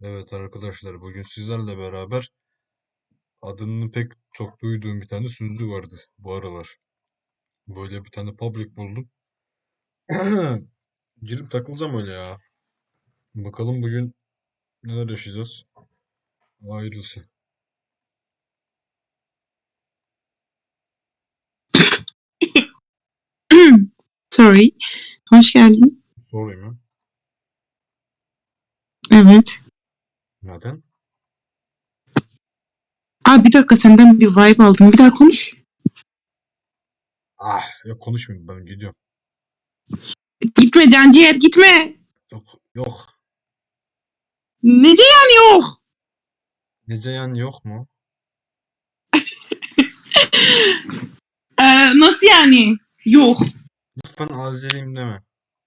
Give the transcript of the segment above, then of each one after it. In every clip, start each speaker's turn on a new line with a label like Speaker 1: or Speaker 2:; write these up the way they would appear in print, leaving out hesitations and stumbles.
Speaker 1: Evet arkadaşlar, bugün sizlerle beraber adını pek çok duyduğum bir tane sunucu vardı bu aralar. Böyle bir tane public buldum. Girip takılacağım öyle ya. Bakalım bugün neler yaşayacağız. Hayırlısı.
Speaker 2: Sorry. Hoş geldin.
Speaker 1: Sorayım ya.
Speaker 2: Evet.
Speaker 1: Neden?
Speaker 2: Bir dakika senden bir vibe aldım. Bir daha konuş.
Speaker 1: Yok konuşmayayım, ben gidiyorum.
Speaker 2: Gitme canciğer gitme.
Speaker 1: Yok.
Speaker 2: Nece yani yok?
Speaker 1: Neceyan yok mu?
Speaker 2: Nasıl yani? Yok.
Speaker 1: Lütfen Azeriyim deme.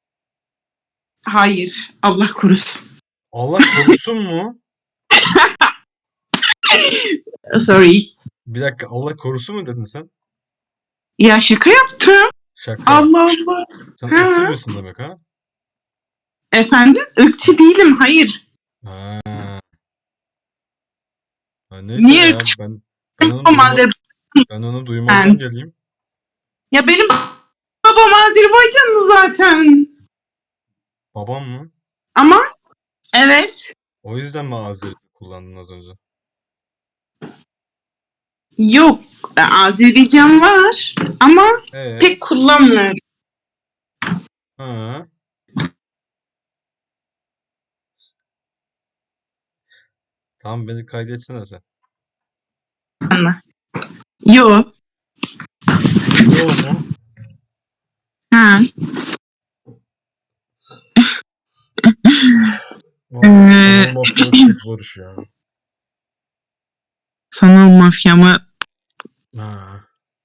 Speaker 2: Hayır. Allah korusun.
Speaker 1: Allah korusun mu?
Speaker 2: Sorry.
Speaker 1: Bir dakika, Allah korusun mu dedin sen?
Speaker 2: Ya şaka yaptım.
Speaker 1: Şaka.
Speaker 2: Allah Allah.
Speaker 1: Sen ırkçı
Speaker 2: Ha.
Speaker 1: birisin demek ha?
Speaker 2: Efendim? Irkçı değilim. Hayır.
Speaker 1: Ha. Neyse
Speaker 2: Niye
Speaker 1: ya,
Speaker 2: ırkçı
Speaker 1: ben onu
Speaker 2: babam Azerbaycan?
Speaker 1: ben onu duymazdan geleyim.
Speaker 2: Ya benim babam Azerbaycanlı zaten.
Speaker 1: Babam mı?
Speaker 2: Ama evet.
Speaker 1: O yüzden mi Azeri kullandın az önce?
Speaker 2: Yok. Azerbaycan var. Ama
Speaker 1: Ee,
Speaker 2: pek kullanmıyorum.
Speaker 1: ha. Tamam, beni kaydetsene sen.
Speaker 2: Yok.
Speaker 1: Yo mu?
Speaker 2: Ha.
Speaker 1: Vallahi sanal mafyalık çok zor iş ya.
Speaker 2: Sanal mafya mı?
Speaker 1: Ha.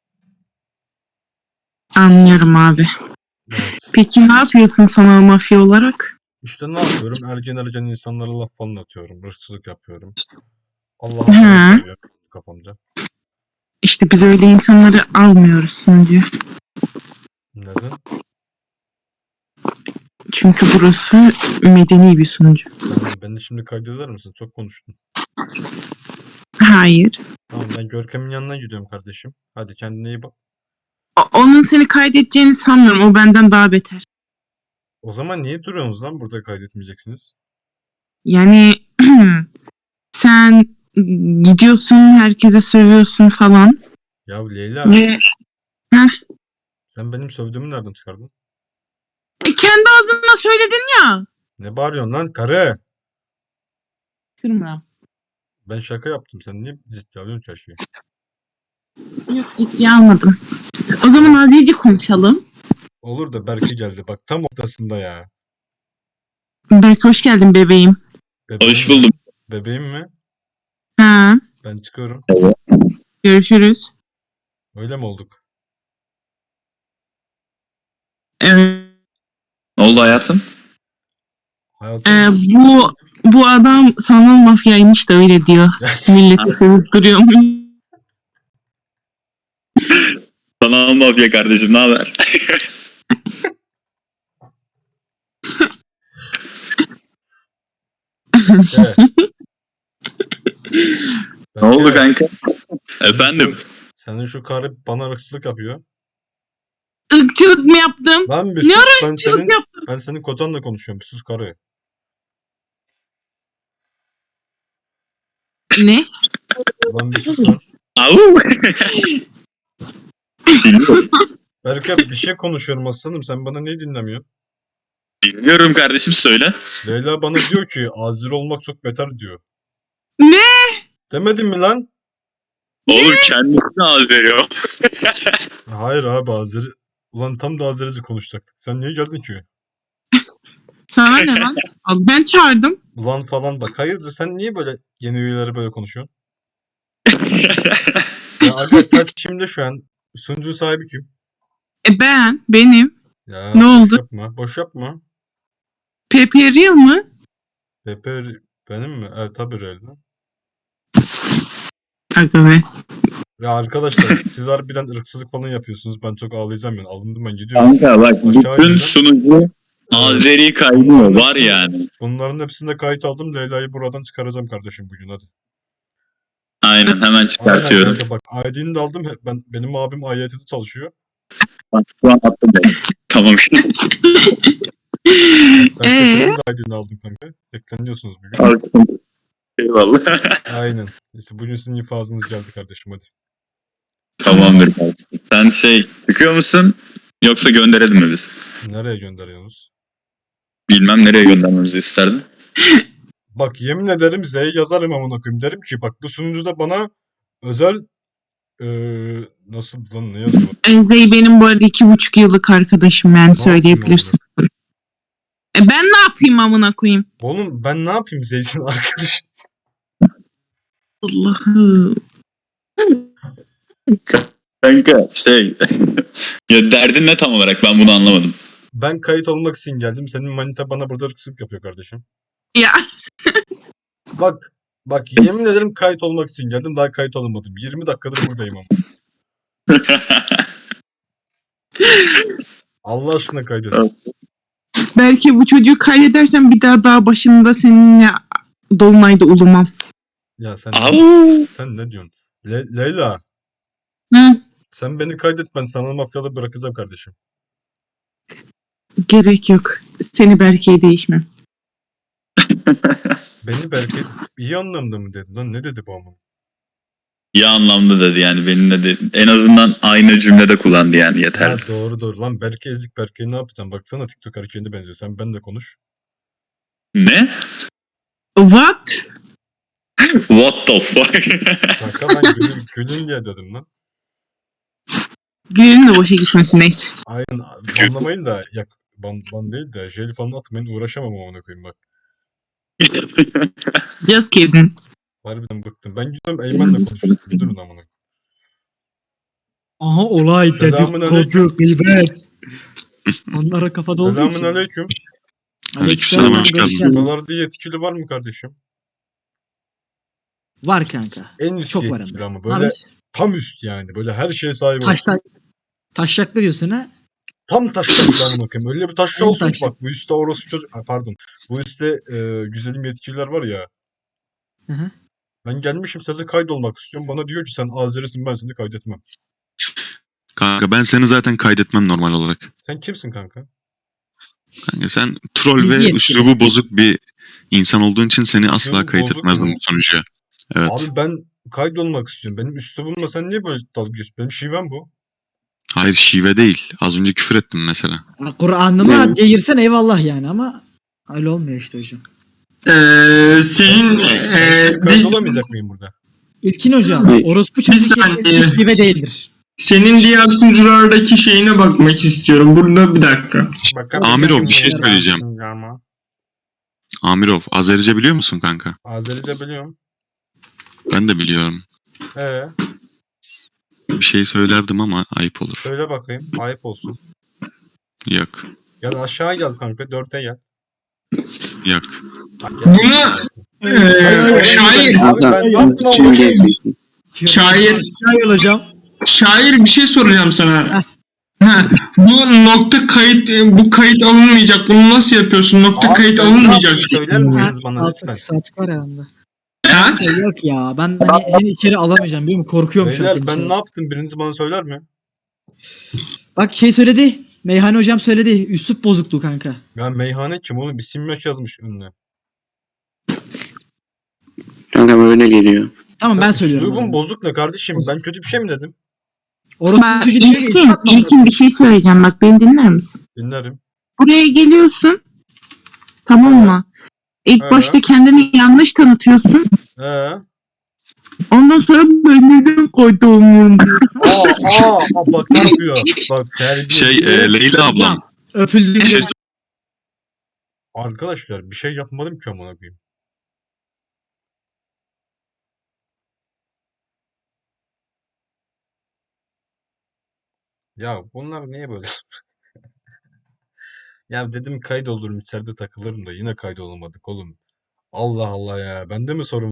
Speaker 2: Anlıyorum abi.
Speaker 1: Evet.
Speaker 2: Peki ne yapıyorsun sanal mafya olarak?
Speaker 1: İşte ne yapıyorum? Ergen insanlara laf falan atıyorum. Hırsızlık yapıyorum. Allah'ın falan
Speaker 2: Ha.
Speaker 1: söylüyorum kafamca.
Speaker 2: İşte biz öyle insanları almıyoruz sunucu.
Speaker 1: Neden?
Speaker 2: Çünkü burası medeni bir sunucu.
Speaker 1: Beni şimdi kaydeder misin? Çok konuştun.
Speaker 2: Hayır.
Speaker 1: Tamam, ben Görkem'in yanına gidiyorum kardeşim. Hadi kendine iyi bak.
Speaker 2: Onun seni kaydedeceğini sanmıyorum. O benden daha beter.
Speaker 1: O zaman niye duruyorsunuz lan? Burada kaydetmeyeceksiniz.
Speaker 2: Yani sen gidiyorsun herkese sövüyorsun falan.
Speaker 1: Ya Leyla,
Speaker 2: Ve
Speaker 1: sen benim sövdüğümü nereden çıkardın?
Speaker 2: kendi ağzınla söyledin ya.
Speaker 1: Ne bağırıyorsun lan karı?
Speaker 2: Kırma.
Speaker 1: Ben şaka yaptım. Sen niye ciddi alıyorsun ki her şeyi?
Speaker 2: Yok ciddiye almadım. O zaman azıcık konuşalım.
Speaker 1: Olur da Berke geldi. Bak tam ortasında ya.
Speaker 2: Berk hoş geldin bebeğim.
Speaker 1: Bebeğim
Speaker 3: Hoş
Speaker 1: mi?
Speaker 3: buldum.
Speaker 1: Bebeğim mi?
Speaker 2: Ha,
Speaker 1: Ben çıkıyorum.
Speaker 2: görüşürüz.
Speaker 1: Öyle mi olduk?
Speaker 2: Evet.
Speaker 3: Ne oldu hayatım?
Speaker 1: Hayatım.
Speaker 2: Bu adam sanal mafyaymış da öyle diyor. Milleti sövüp duruyormuş.
Speaker 3: Sanal mafya kardeşim, ne haber?
Speaker 1: Evet.
Speaker 3: Ne oldu
Speaker 1: Berke,
Speaker 3: kanka?
Speaker 1: senin
Speaker 3: Efendim?
Speaker 1: senin şu karı bana hırsızlık yapıyor.
Speaker 2: Irkçılık mı yaptım?
Speaker 1: Lan bir
Speaker 2: Ne
Speaker 1: sus.
Speaker 2: ara ırkçılık yaptım?
Speaker 1: Ben senin kocanla konuşuyorum. Bir sus karı.
Speaker 2: Ne?
Speaker 1: Lan bir sus lan.
Speaker 3: Au! Dinliyorum.
Speaker 1: Berke, bir şey konuşuyorum aslanım. Sen bana niye dinlemiyorsun?
Speaker 3: Dinliyorum kardeşim, söyle.
Speaker 1: Leyla bana diyor ki Azeri olmak çok beter diyor.
Speaker 2: Ne?
Speaker 1: Demedin mi lan?
Speaker 3: Oğlum kendisini az veriyor.
Speaker 1: Hayır abi, Azeri. Ulan tam da Azerice konuşacaktık. Sen niye geldin ki?
Speaker 2: Sana ne lan? Al, ben çağırdım.
Speaker 1: Ulan falan bak. Hayırdır, sen niye böyle yeni üyeleri böyle konuşuyorsun? Ya aga, ters şimdi şu an. Sunucu sahibi kim?
Speaker 2: Benim.
Speaker 1: Ya
Speaker 2: Ne
Speaker 1: boş
Speaker 2: oldu?
Speaker 1: yapma. Boş yapma.
Speaker 2: Pepe Real mı?
Speaker 1: Pepe benim mi? Evet tabii öyle lan.
Speaker 2: Aga be.
Speaker 1: Ya arkadaşlar, siz harbiden ırksızlık falan yapıyorsunuz. Ben çok ağlayacağım yani. Alındım, ben gidiyorum.
Speaker 3: Kanka bak,
Speaker 1: Aşağı
Speaker 3: bütün
Speaker 1: ineceğim.
Speaker 3: sunucu Azeri kaynıyor
Speaker 1: bunların
Speaker 3: var
Speaker 1: hepsini-
Speaker 3: yani.
Speaker 1: Bunların hepsinde kayıt aldım. Leyla'yı buradan çıkaracağım kardeşim bugün hadi.
Speaker 3: Aynen hemen
Speaker 1: Aynen
Speaker 3: çıkartıyorum.
Speaker 1: kanka bak ID'ni de aldım. Benim abim IIT'de çalışıyor.
Speaker 3: Bak, şu an attım ben. Tamam.
Speaker 1: Kanka
Speaker 2: Ee?
Speaker 1: senin de ID'ni aldım kanka. Ekleniyorsunuz bugün.
Speaker 3: Kalktım. Eyvallah.
Speaker 1: Aynen. Neyse bugün sizin infazınız geldi kardeşim hadi.
Speaker 3: Tamamdır kardeşim. Sen çıkıyor musun? Yoksa gönderelim mi biz?
Speaker 1: Nereye gönderiyorsunuz?
Speaker 3: Bilmem nereye göndermemizi isterdin.
Speaker 1: Bak yemin ederim Z'ye yazarım amına koyayım. Derim ki bak bu sunucuda bana özel nasıl lan ne yazıyor?
Speaker 2: Zey benim bu arada 2,5 yıllık arkadaşım yani söyleyebilirsin. Ben ne yapayım amına koyayım?
Speaker 1: Oğlum ben ne yapayım Zeytin arkadaş?
Speaker 2: Allah'ım.
Speaker 3: Kanka ya derdin ne tam olarak ben bunu anlamadım.
Speaker 1: Ben kayıt olmak için geldim. Senin manita bana burada ırkçılık yapıyor kardeşim.
Speaker 2: Ya
Speaker 1: Bak yemin ederim kayıt olmak için geldim. Daha kayıt olamadım. 20 dakikadır buradayım ama. Allah aşkına kaydedin.
Speaker 2: belki bu çocuğu kaydedersen bir daha dağ başında seninle Dolunay'da ulumam.
Speaker 1: Ya sen
Speaker 3: Au!
Speaker 1: sen ne diyorsun? Leyla
Speaker 2: Hı?
Speaker 1: sen beni kaydet ben sana mafyalı bırakacağım kardeşim.
Speaker 2: Gerek yok. Seni Berke'ye değişmem.
Speaker 1: Beni belki iyi anlamda mı dedi lan? Ne dedi bu ama?
Speaker 3: İyi anlamda dedi yani benimle de en azından aynı cümlede kullandı yani yeter.
Speaker 1: Ha, doğru. Lan Berke ezik Berke'yi ne yapacağım? Baksana TikTok hareketine benziyor. Sen ben de konuş.
Speaker 3: Ne?
Speaker 2: What?
Speaker 3: What the fuck?
Speaker 1: Kanka ben gülün diye dedim lan.
Speaker 2: Gülün de boşa gitmesin neyse.
Speaker 1: Aynen banlamayın da ban değil de jeli falan atmayın uğraşamam ona koyayım bak.
Speaker 2: Just kidding.
Speaker 1: Harbiden bıktım. Ben gidiyorum Eymen'le konuşuyorum. Durun amına.
Speaker 4: Aha olay
Speaker 1: Selamun
Speaker 4: dedikodu gıybet. Onlara kafada olduğu için.
Speaker 1: Selamun aleyküm.
Speaker 5: Aleykümselam, hoş geldin.
Speaker 1: Buralarda yetkili var mı kardeşim?
Speaker 4: Var kanka.
Speaker 1: En üst
Speaker 4: Çok var
Speaker 1: yetkili
Speaker 4: hem de.
Speaker 1: ama böyle tam üst yani. Böyle her şeye sahip olsun.
Speaker 4: Taşlaklı diyorsun ha?
Speaker 1: Tam taşla amına koyayım. Öyle bir taşla
Speaker 4: En
Speaker 1: olsun ki
Speaker 4: taşla.
Speaker 1: bak bu üstte orospu çocuk. Pardon. Bu üstte güzelim yetkililer var ya.
Speaker 4: Hı hı.
Speaker 1: Ben gelmişim size kaydolmak istiyorum. Bana diyor ki sen Azerisin ben seni kaydetmem.
Speaker 5: Kanka ben seni zaten kaydetmem normal olarak.
Speaker 1: Sen kimsin kanka?
Speaker 5: Kanka sen troll
Speaker 4: Bilgi
Speaker 5: ve
Speaker 4: yetkili.
Speaker 5: üslubu bozuk bir insan olduğun için seni
Speaker 1: Üslubu
Speaker 5: asla
Speaker 1: bozuk
Speaker 5: kaydetmezdim
Speaker 1: mu?
Speaker 5: bu sonuca. Evet.
Speaker 1: Abi ben kaydolmak istiyorum. Benim üslubumla sen niye böyle dalga geçiyorsun? Benim şivem bu.
Speaker 5: Hayır şive değil. Az önce küfür ettim mesela.
Speaker 4: Kur'an'ıma girsen eyvallah yani ama öyle olmuyor işte hocam.
Speaker 6: Senin
Speaker 1: Ben kaydolamayacak mıyım burada?
Speaker 4: İlkin hocam orospu çocuğu
Speaker 6: saniye.
Speaker 4: kesinlikle şive değildir.
Speaker 6: senin diğer sunuculardaki şeyine bakmak istiyorum. Burada bir dakika.
Speaker 5: Amirov, bir şey söyleyeceğim.
Speaker 1: Ama.
Speaker 5: Amirov, Azerice biliyor musun kanka?
Speaker 1: Azerice biliyorum.
Speaker 5: Ben de biliyorum. Bir şey söylerdim ama ayıp olur.
Speaker 1: Söyle bakayım. Ayıp olsun.
Speaker 5: Yok.
Speaker 1: Gel aşağı gel kanka. 4'e gel.
Speaker 5: Yok.
Speaker 1: Gel.
Speaker 6: Bunu
Speaker 1: Hayır,
Speaker 6: şair
Speaker 1: Abi ben ne yaptım ama?
Speaker 6: Şair.
Speaker 4: Şair hocam.
Speaker 6: şair bir şey soracağım sana. Ha, bu kayıt alınmayacak. Bunu nasıl yapıyorsun?
Speaker 1: Abi
Speaker 6: Kayıt
Speaker 1: ben ne
Speaker 6: alınmayacak.
Speaker 1: yaptım? Söyler misiniz bana lütfen?
Speaker 4: Saat var herhalde.
Speaker 6: Ha?
Speaker 4: Yok ya ben hani seni içeri alamayacağım biliyor musun? Korkuyorum şu an
Speaker 1: Beyler
Speaker 4: seni
Speaker 1: ben
Speaker 4: içeri.
Speaker 1: ne yaptım? Biriniz bana söyler mi?
Speaker 4: Bak söyledi. Meyhane hocam söyledi. Üslup bozukluğu kanka.
Speaker 1: Ya meyhane kim oğlum? Bir simyaş yazmış önüne.
Speaker 7: Kanka böyle geliyor.
Speaker 4: Tamam ben söylüyorum. o
Speaker 1: Üslubum
Speaker 4: zaman.
Speaker 1: bozuk ne kardeşim? Ben kötü bir şey mi dedim?
Speaker 4: Orospu
Speaker 2: Bak
Speaker 4: çocuğu diyor ki,
Speaker 2: İlkin bir şey söyleyeceğim bak beni dinler misin?
Speaker 1: Dinlerim.
Speaker 2: Buraya geliyorsun. Tamam mı? İlk
Speaker 1: Evet.
Speaker 2: başta kendini yanlış tanıtıyorsun. Ondan sonra ben neden kayıt olmuyorum diyorsun.
Speaker 1: Bak ne yapıyor? Bak terbiyesiz.
Speaker 5: Leyla ablam.
Speaker 4: Öpüldüğüm
Speaker 5: Bir şey
Speaker 4: yer-
Speaker 1: Arkadaşlar bir şey yapmadım ki amına koyayım. Ya bunlar niye böyle? Ya dedim kaydolurum içeride takılırım da yine kaydolamadık oğlum. Allah Allah ya. Bende mi sorun